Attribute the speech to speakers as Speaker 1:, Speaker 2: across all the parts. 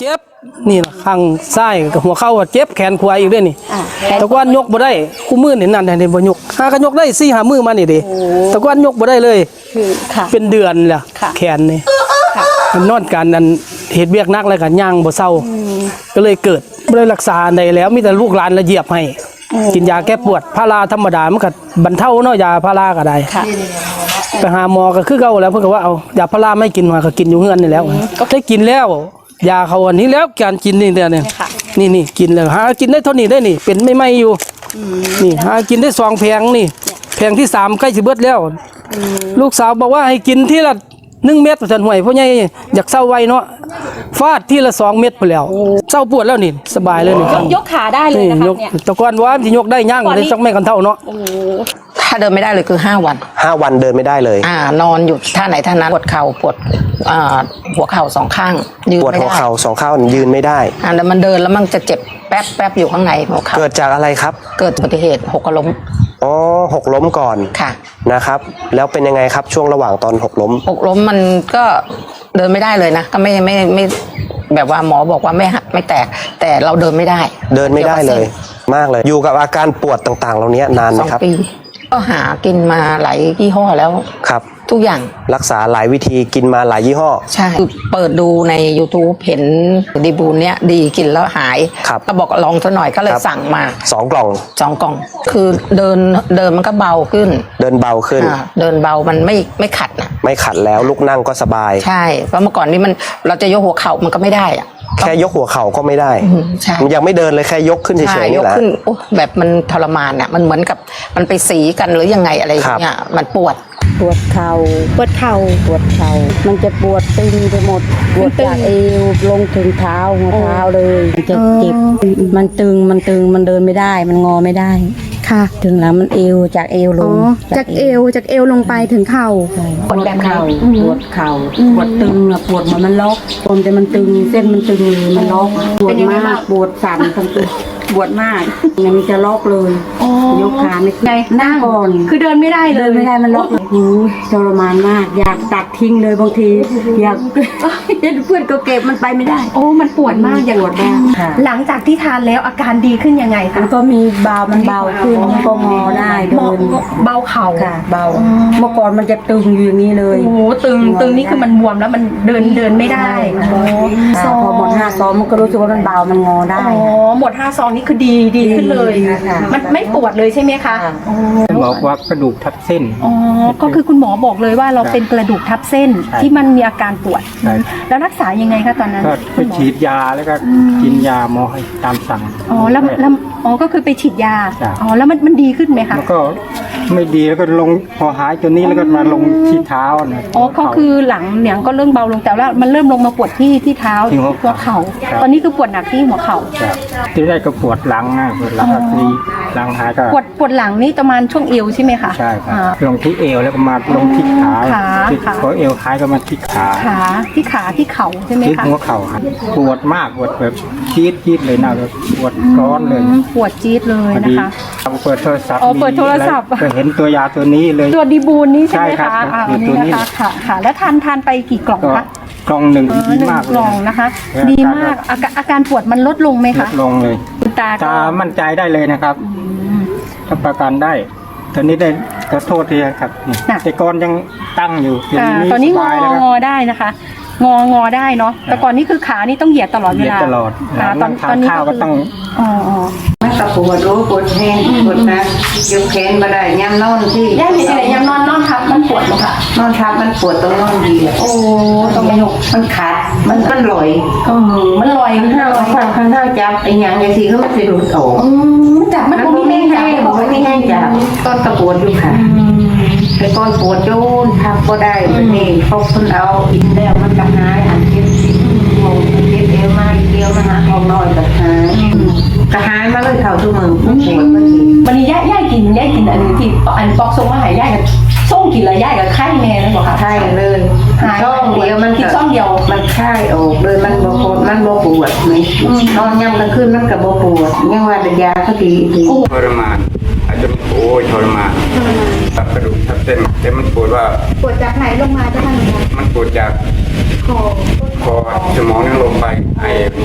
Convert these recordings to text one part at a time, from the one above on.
Speaker 1: เจ็บนี่ล่ะข้างซ้ายกับหัวเข่าเจ็บแขนขวาอีกด้วยนี่ตะกอนยกบ่ได้คู่มือนี่นั่นเห็นบ่ยกหาก็ยกได้4-5มือมานี่ดิตะกอนยกบ่ได้เลย
Speaker 2: คือค่ะ
Speaker 1: เป็นเดือนล่ะแขนนี่มันนอนกันอันเฮ็ดเวียกนักแล้วก็ย่างบ่เซาก็เลยเกิดบ่ได้รักษาได้แล้วมีแต่ลูกหลานละเหยียบให้กินยาแก้ปวดพาราธรรมดามันก็บรรเทาเนาะยาพาราก็ได้ไปหาหมอก็คือเก่าแล้วเพิ่นก็ว่าเอายาพาราไม่กินมาก็กินอยู่เฮือนนี่แล้วก็ได้กินแล้วยาเขาอันนี้แล้วการกินนี่เนี่ยนี่กินแล้วหากินได้เท่านี้ได้นี่เป็นไม่อยู่นี่หากินได้2แผงนี่แผงที่3ใกล้สิเบิดแล้วลูกสาวบอกว่าให้กินทีละ1 เม็ดฉันห่วยเพราะไงอยากเศร้าไวเนาะฟาดทีละ2 เม็ดไปแล้วเศร้าปวดแล้วนี่สบายเลยนี่
Speaker 2: ยกขาได้เลยนะคะเนี่ย
Speaker 1: ตะกอนว่าสิยกได้ย่างได้สักแม่กันเท่าเนาะ
Speaker 3: ถ้าเดินไม่ได้เลยคือ5 วัน
Speaker 4: 5 วันเดินไม่ได้เลย
Speaker 3: นอนอยู่ท่าไหนท่านั้นปวดเข่าปวดหัวเข่า2 ข้างยืนไม่ได้
Speaker 4: ปวดหัวเข่า2 ข้างยืนไม่ได้
Speaker 3: แล้วมันเดินแล้วมันจะเจ็บแป๊บอยู่ข้างในหัวเข่า
Speaker 4: เกิดจากอะไรครับ
Speaker 3: เกิดอุบัติเหตุหกล้ม
Speaker 4: หกล้มก่อน
Speaker 3: ค่ะ
Speaker 4: นะครับแล้วเป็นยังไงครับช่วงระหว่างตอนหกล้ม
Speaker 3: มันก็เดินไม่ได้เลยนะก็ไม่แบบว่าหมอบอกว่าไม่หักไม่แตกแต่เราเดินไม่ได้
Speaker 4: เลยมากเลยอยู่กับอาการปวดต่างๆเหล่านี้นานไหมครับ
Speaker 3: 2 ปีก็หากินมาหลายยี่ห้อแล้ว
Speaker 4: ครับ
Speaker 3: ทุกอย่าง
Speaker 4: รักษาหลายวิธีกินมาหลายยี่ห้อ
Speaker 3: ใช่เปิดดูใน YouTube เห็นดีบูนเนี้ยดีกินแล้วหายก็บอกลองซะหน่อยก็เลยสั่งมา
Speaker 4: 2 กล่อง
Speaker 3: คือเดินมันก็เบาขึ้น
Speaker 4: เดินเบาขึ้น
Speaker 3: เดินเบามันไม่ขัดนะ
Speaker 4: ไม่ขัดแล้วลุกนั่งก็สบาย
Speaker 3: ใช่เพราะเมื่อก่อนนี้เราจะยกหัวเข่ามันก็ไม่ได้อะ
Speaker 4: แค่ยกหัวเข่าก็ไม่ได้มันยังไม่เดินเลยแค่ยกขึ้นเฉยๆนี่แหละ
Speaker 3: แบบมันทรมานอ่ะมันเหมือนกับมันไปสีกันหรือยังไงอะไรอย่างเงี้ยมันปวด
Speaker 2: เข่ามันจะปวดตึงไปหมดปวดจากเอวลงถึงเท้าหัวเท้าเลยมันจะเจ็บมันตึงมันเดินไม่ได้มันงอไม่ได้ค่ะถึงแล้วมันเอวจากเอวลง
Speaker 5: จากเอวลงไปถึงเข่า
Speaker 2: ปวดแบบเข่าปวดเข่าปวดตึงปวดมันล็อกแต่มันตึงเส้นมันตึงมันล็อกปวดมากปวดสั่นทั้งตัวปวดมากมันจะล็อกเลยยกขาไม่ได้นั่งก่อน
Speaker 5: คือเดินไม่ได้เลย
Speaker 2: ไม่ได้มันล็อกทรมานมากอยากตัดทิ้งเลยบางทีอยากเพื่อนก็เก็บมันไปไม่ได้
Speaker 5: มันปวดมาก
Speaker 2: ปวดมาก
Speaker 5: หลังจากที่ทานแล้วอาการดีขึ้นยังไงคะ
Speaker 2: มันก็มีเบาขึ้นก็งอได้เดิน
Speaker 5: เบาเข่า
Speaker 2: ค่ะเบาเมื่อก่อนมันจะตึงอยู่อย่างนี้เลย
Speaker 5: ตึงนี่คือมันบวมแล้วมันเดินไม่ได้
Speaker 2: พอหมด5 ซองมันก็รู้สึกว่ามันเบามันงอได้
Speaker 5: หมด5 ซองนี่คือดีขึ้นเลยมันไม่ปวดเลยใช่ไหมคะ
Speaker 1: บอกว่ากระดูกทับเส้น
Speaker 5: ก็คือคุณหมอบอกเลยว่าเราเป็นกระดูกทับเส้นที่มันมีอาการปวดแล้วรักษายังไงคะตอนนั้น
Speaker 1: ก็ฉีดยาแล้วก็กินยาหมอให้ตามสั่ง
Speaker 5: แล้วก็คือไปฉีดยาแล้วมันดีขึ้นไหมคะ
Speaker 1: ก็ไม่ดีแล้วก็ลงพอหายตัวนี้แล้วก็มาลงที่เท้านะ
Speaker 5: ก็คือหลังเนี่ยก็เริ่มเบาลงแต่ว่ามันเริ่มลงมาปวดที่เท้าหัวเข่าตอนนี้คือปวดหนักที่หัวเข่า
Speaker 1: ที่ได้ก็ปวดหลังปวดหลังทีหลังหายก็
Speaker 5: ปวดหลังนี่ประมาณช่วงเอวใช่ไหมคะ
Speaker 1: ใช่ครับลงที่เอวแล้วก็มาลงที่ขาพอเอวหายก็มาที่ขา
Speaker 5: ที่เข่าใช่ไหมคะ
Speaker 1: ที่หัวเข่าปวดมากปวดแบบจี๊ดเลยนะปวดร้อนเลย
Speaker 5: ปวดจี๊ดเลยนะคะ
Speaker 1: เปิดโทรศัพท์
Speaker 5: ก็
Speaker 1: เห็นตัวยาตัวนี้เลย
Speaker 5: ตัวดีบูนนี่ใช่ไหมคะ
Speaker 1: ตัวนี้
Speaker 5: ค่ะแล้วทานไปกี่กล่องคะ
Speaker 1: กล่อง1ดีมาก
Speaker 5: กล่องนะคะดีมากอาการปวดมันลดลงไหมคะ
Speaker 1: ลดลงเลยตามั่นใจได้เลยนะครับถ้าประกันได้ตอนนี้ได้ขอโทษทีครับแต่ก่อนยังตั้งอยู่
Speaker 5: ตอนนี้งอได้นะคะงอได้เนาะแต่ก่อนนี้คือขานี่ต้องเหยียดตลอดเวลา
Speaker 1: ตลอดตอนนี้ข้าวก็ต้อง
Speaker 2: มันก็ปวดแห้งปวดนะยกแขนมาได้ย่ำนอนที่
Speaker 5: ย่ำอะไรย่ำนอนทับมันปวดมั้งค่ะ
Speaker 2: นอนทับมันปวดตรงนอนดีต้องยกมันขาดมันลอย
Speaker 5: มันลอย
Speaker 2: ข้างจับไอ้อย่างอย่างที่เขาไม่เคยดูโถ
Speaker 5: มันไม่แห้ง
Speaker 2: จับต้นตะปวดอยู่ค่ะแต่ก้อนปวดโยนทับก็ได้นี่พอคนเอาอินแล้วมันจะหายอันเจ็บเอวมาเดียวนะฮะทองน้อยกับหายกระหายมาเลยเข่าทุกมือปวด
Speaker 5: วันนี้ย่ากินอันนี้ที่อันปอกทรงว่าหายย่ากับส่งกินแล้วย่ากับไข้แม่นั่นบอกค่ะ
Speaker 2: ไข้เลยช่องเดียวมัน
Speaker 5: กินช่องเดียว
Speaker 2: มันไข้ออกเลยมันปวดมันปวดนี่นอนย่ำกลางคืนมันกับปวดยังว่าแต่ยาก็ดี
Speaker 6: ทรมานอาจจะทรมานตับกระดูกทับเส้นแต่มันปวดว่า
Speaker 5: ปวดจากไหนลงมาจะทำยังไง
Speaker 6: มันปวดจากคอสมองนั่งลงไปไอ้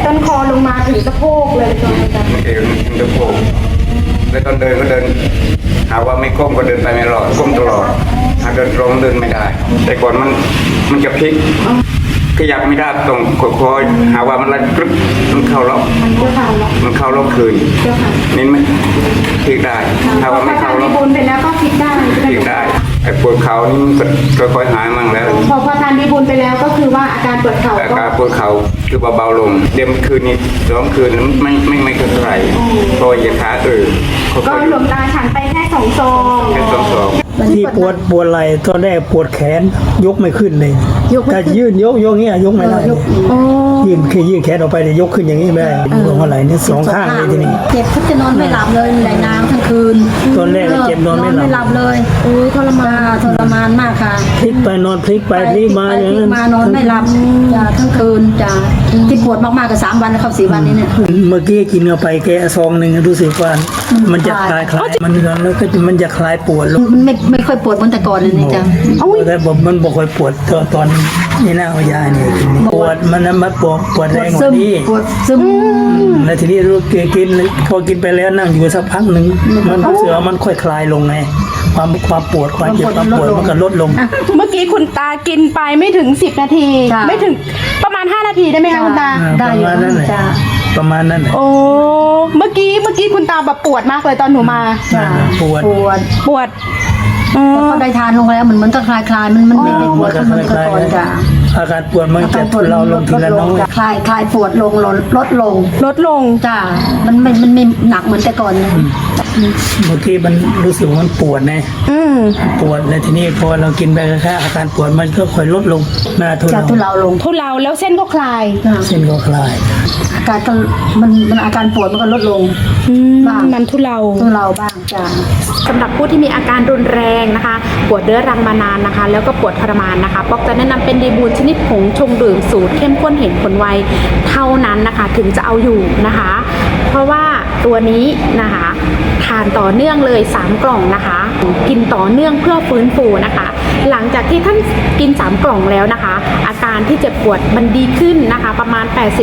Speaker 5: ต้นคอลงมาถึงสะโพกเลยจนอาจารย์
Speaker 6: เอวมันจะโผล่แล้วตอนเดินก็เดินหาว่าไม่ก้มก็เดินไปไม่รอดก้มตลอดถ้าเดินตรงเดินไม่ได้ แต่ก่อนมันจะพลิกขยับไม่ได้ตรงคอยหาว่ามันรัดกรึ๊บมันเข้าล็อกมันเข้าล็อกคืนนี่มันพลิกได้ถ้าว่าไม่เข้าล็อก
Speaker 5: บุญไปแล้วก็คิดได้
Speaker 6: พลิกได้ไอ้ปวดเข่านี่มันก็ค่อยๆหายมั่งแล้ว
Speaker 5: พอทานดีบุญไปแล้วก็คือว่าอาการปวดเข่า
Speaker 6: อา
Speaker 5: ก็
Speaker 6: การปวดเข่าคือเบาๆลงเดิมคืนนี้2 คืนไม่เท่าไหร่พอเหยียดขาค่
Speaker 5: ก็
Speaker 6: อย
Speaker 5: หลวงตาฉันไปแค่2 ซอง
Speaker 6: ๆแค่2
Speaker 7: ที่ปวดไหล่ตอนแรกปวดแขนยกไม่ขึ้นเลยถ้ายื่นยกเงี้ยยกไม่ได้ยื่นแขนออกไปเลยยกขึ้นอย่างนี้ไม่ได้ลงหัวไหล่เนี่ย2 ข้างเลยทีนี้
Speaker 8: เจ็บทุกจะนอนไม่หลับเลยไหลน้ำทั้งคืน
Speaker 7: ตอนแรกเจ็บนอนไม่หลับ
Speaker 8: เลยทรมานมากค่ะ
Speaker 7: พลิกไปนอนพลิกไปพลิกมาอย่างนั้น
Speaker 8: มานอนไม่หลับจ้ะทั้งคืนจ้ะที่ปวดมากๆก็3 วันนะครับ4 วันนี้เนี่ย
Speaker 7: เมื่อกี้กินเข้าไปแกะซองหนึ่งรู้สึกว่ามันจะคลายมันแล้วก็มันจะคลายปวดลง
Speaker 8: มันไม่ค่อยปวดเหมือนแต่ก่อนเลยนี่จ้ะ
Speaker 7: แต่มันบอกค่อยปวดตอนนี่น่าเอายาเนี่ยกินปวดมันมาปวดแรงกว่านี้
Speaker 8: ปวดซึม
Speaker 7: แล้วทีนี้รู้กินพอกินไปแล้วนั่งอยู่สักพักหนึ่งมันเสือมันค่อยคลายลงไงความปวดความเจ็บความปวดมันก็ลดลง
Speaker 5: เมื่อกี้คุณตากินไปไม่ถึง10 นาที ไม่ถึงประมาณ5 นาทีได้ไหมคะคุณตา
Speaker 7: ประมาณนั้นแหละ
Speaker 8: จ้ะ
Speaker 7: ประมาณนั้นแหละ
Speaker 5: โอ้เมื่อกี้คุณตาแบบปวดมากเลยตอนหนูมา
Speaker 7: ปวด
Speaker 5: ปวด
Speaker 8: แต่พอได้ทานลงแล้วเหมือนก็คลายมันไม่ปวดเหมือนแต่ก่อนจ้ะ
Speaker 7: อาการปวดมันจะทุเลาลงทีละน้อย
Speaker 8: คลายปวดลงลดลง
Speaker 5: ลดลง
Speaker 8: จ้ะมันไม่หนักเหมือนแต่ก่อนเลย
Speaker 7: เมื่อกี้มันรู้สึกว่ามันปวดไงปวดแล้วทีนี้พอเรากินไปแค่อาการปวดมันก็ค่อยลดลงหน้าทุ
Speaker 8: จะ
Speaker 7: เลา
Speaker 8: ทุเลาลง
Speaker 5: ทุเลาแล้วเส้นก็คลาย
Speaker 7: เส้นก็คลาย
Speaker 8: อาการก็มันอาการปวดมันก็ลดลงบ้าง
Speaker 5: มันทุเลา
Speaker 8: ทุเลาบ้างจ้ะ
Speaker 5: สำหรับผู้ที่มีอาการรุนแรงนะคะ ปวดเรื้อรังมานานนะคะ แล้วก็ปวดทรมานนะคะป๊อกจะแนะนำเป็นดีบูลชนิดผงชงดื่มสูตรเข้มข้นเห็นผลไวเท่านั้นนะคะ ถึงจะเอาอยู่นะคะ เพราะว่าตัวนี้นะคะทานต่อเนื่องเลย3 กล่องนะคะ กินต่อเนื่องเพื่อฟื้นฟูนะคะ หลังจากที่ท่านกิน3 กล่องแล้วนะคะ อาการที่เจ็บปวดมันดีขึ้นนะคะ ประมาณ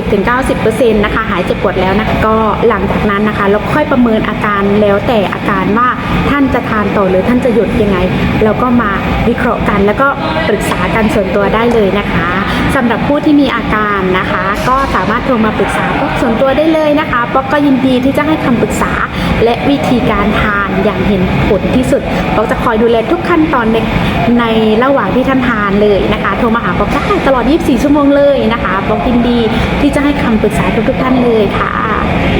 Speaker 5: 80-90% นะคะหายเจ็บปวดแล้วนะก็หลังจากนั้นนะคะเราค่อยประเมินอาการแล้วแต่อาการว่าท่านจะทานต่อหรือท่านจะหยุดยังไงเราก็มาวิเคราะห์กันแล้วก็ปรึกษากันส่วนตัวได้เลยนะคะสำหรับผู้ที่มีอาการนะคะ ก็สามารถโทรมาปรึกษาป๊อกส่วนตัวได้เลยนะคะป๊อกก็ยินดีที่จะให้คำปรึกษาและวิธีการทานอย่างเห็นผลที่สุดป๊อกจะคอยดูแลทุกขั้นตอนในระหว่างที่ท่านทานเลยนะคะโทรมาหาป๊อกได้ตลอด24 ชั่วโมงเลยนะคะป๊อกยินดีที่จะให้คำปรึกษาทุกท่านเลยค่ะ